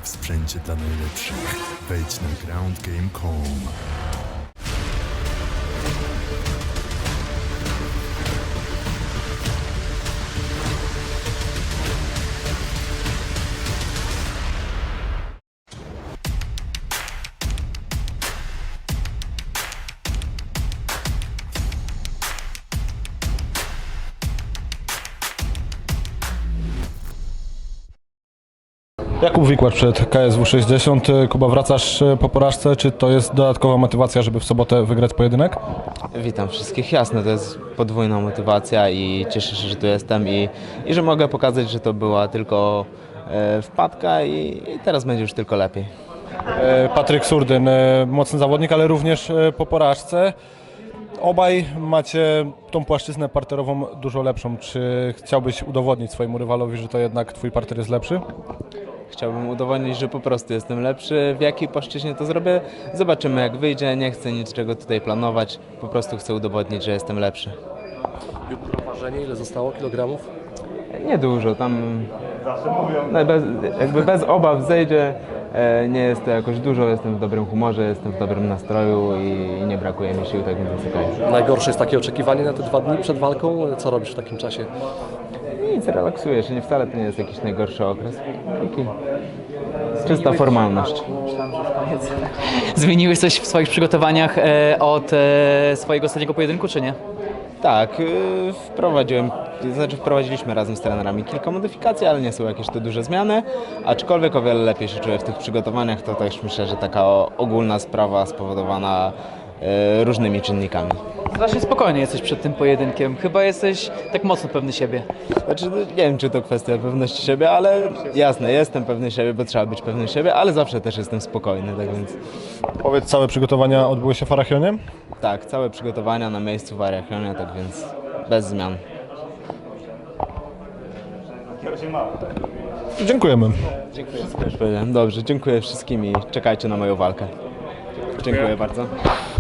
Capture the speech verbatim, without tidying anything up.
w sprzęcie dla najlepszych. Wejdź na ground game kropka com. Jakub Wikłacz przed K S W sześćdziesiąt. Kuba, wracasz po porażce. Czy to jest dodatkowa motywacja, żeby w sobotę wygrać pojedynek? Witam wszystkich. Jasne, to jest podwójna motywacja i cieszę się, że tu jestem i, i że mogę pokazać, że to była tylko e, wpadka i, i teraz będzie już tylko lepiej. E, Patryk Surdyn, e, mocny zawodnik, ale również e, po porażce. Obaj macie tą płaszczyznę parterową dużo lepszą. Czy chciałbyś udowodnić swojemu rywalowi, że to jednak twój parter jest lepszy? Chciałbym udowodnić, że po prostu jestem lepszy. W jakiej płaszczyźnie to zrobię? Zobaczymy, jak wyjdzie. Nie chcę niczego tutaj planować. Po prostu chcę udowodnić, że jestem lepszy. Jutro ważenie, ile zostało kilogramów? Niedużo, tam no, bez, jakby bez obaw zejdzie. E, nie jest to jakoś dużo, jestem w dobrym humorze, jestem w dobrym nastroju i, i nie brakuje mi sił, tak więc jest okej. Najgorsze jest takie oczekiwanie na te dwa dni przed walką. Co robisz w takim czasie? Nic, relaksuję się, nie, wcale to nie jest jakiś najgorszy okres. Taki czysta formalność. Zmieniłeś coś w swoich przygotowaniach e, od e, swojego ostatniego pojedynku, czy nie? Tak, yy, wprowadziłem, znaczy wprowadziliśmy razem z trenerami kilka modyfikacji, ale nie są jakieś to duże zmiany, aczkolwiek o wiele lepiej się czuję w tych przygotowaniach, to też myślę, że taka ogólna sprawa spowodowana yy, różnymi czynnikami. Strasznie spokojnie jesteś przed tym pojedynkiem. Chyba jesteś tak mocno pewny siebie. Znaczy, no, nie wiem, czy to kwestia pewności siebie, ale jasne, jestem pewny siebie, bo trzeba być pewny siebie, ale zawsze też jestem spokojny, tak więc Powiedz, całe przygotowania odbyły się w Arachionie? tak, całe przygotowania na miejscu w Arachionie, tak więc bez zmian. Dziękujemy. Dziękuję. Dobrze, dziękuję wszystkim i czekajcie na moją walkę. Dziękuję bardzo.